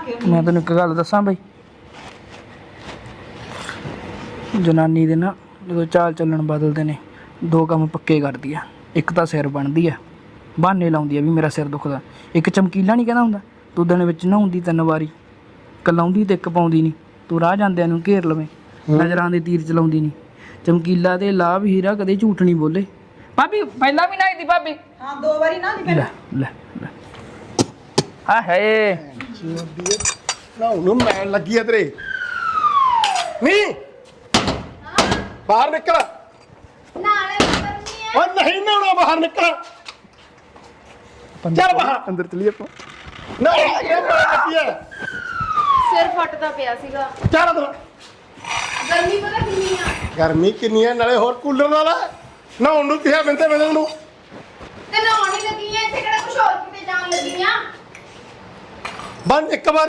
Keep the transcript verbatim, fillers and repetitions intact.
ਕੇ ਮੈਂ ਤੈਨੂੰ ਇੱਕ ਗੱਲ ਦੱਸਾਂ ਬਈ, ਜਨਾਨੀ ਦੇ ਨਾ ਜਦੋਂ ਚਾਲ ਚੱਲਣ ਬਦਲਦੇ ਨੇ ਦੋ ਕੰਮ ਪੱਕੇ ਕਰਦੀ ਆ। ਇੱਕ ਤਾਂ ਸਿਰ ਬਣਦੀ ਆ, ਬਹਾਨੇ ਲਾਉਂਦੀ ਆ ਵੀ ਮੇਰਾ ਸਿਰ ਦੁਖਦਾ। ਇੱਕ ਚਮਕੀਲਾ ਨਹੀਂ ਕਹਿੰਦਾ ਹੁੰਦਾ, ਤੂੰ ਦਿਨ ਵਿੱਚ ਨਹਾਉਂਦੀ ਤਿੰਨ ਵਾਰੀ, ਕਲਾਉਂਦੀ ਤੇ ਇੱਕ ਪਾਉਂਦੀ ਨਹੀਂ। ਤੂੰ ਰਾਹ ਜਾਂਦਿਆਂ ਨੂੰ ਘੇਰ ਲਵੇਂ, ਨਜ਼ਰਾਂ ਦੇ ਤੀਰ ਚਲਾਉਂਦੀ ਨਹੀਂ। ਚਮਕੀਲਾ ਤੇ ਲਾਭ ਹੀਰਾ ਕਦੇ ਝੂਠ ਨਹੀਂ ਬੋਲੇ। ਭਾਬੀ ਪਹਿਲਾਂ ਵੀ ਨਹਾਈ ਦੀ ਭਾਬੀ। ਹਾਂ ਦੋ ਵਾਰੀ ਨਾ ਦੀ ਲੈ ਲੈ ਲੈ ਆ ਹੈ ਨਾ ਨੂੰ ਮੈਂ ਲੱਗੀ ਆ ਤੇਰੇ ਨਹੀਂ ਬਾਹਰ ਨਿਕਲ। ਨਾਲੇ ਕਰਨੀ ਹੈ। ਓ ਨਹੀਂ ਨਹਾਉਣਾ, ਬਾਹਰ ਨਿਕਲ। ਚੱਲ ਬਾਹਰ ਅੰਦਰ ਚਲੀਏ ਆਪਾਂ। ਨਾ ਇਹ ਮੈਂ ਲੱਗੀ ਆ। ਸਿਰ ਫਟਦਾ ਪਿਆ ਸੀਗਾ। ਚੱਲ ਅੰਦਰ। ਗਰਮੀ ਪਤਾ ਕਿੰਨੀ ਆ। ਗਰਮੀ ਕਿੰਨੀ ਹੈ, ਨਾਲੇ ਹੋਰ ਕੂਲਰ ਨਾਲ ਨਹਾਉਣ ਨੂੰ ਕਿਹਾ ਬਿੰਦੇ ਬਿੰਦੇ ਨੂੰ। ਤੇ ਨਹਾਉਣ ਹੀ ਲੱਗੀ ਆ, ਇੱਥੇ ਕਿਹੜਾ ਕੁਛ ਹੋਰ ਕਿਤੇ ਜਾਣ ਲੱਗੀ ਆ। ਬੰਦ ਇੱਕ ਵਾਰ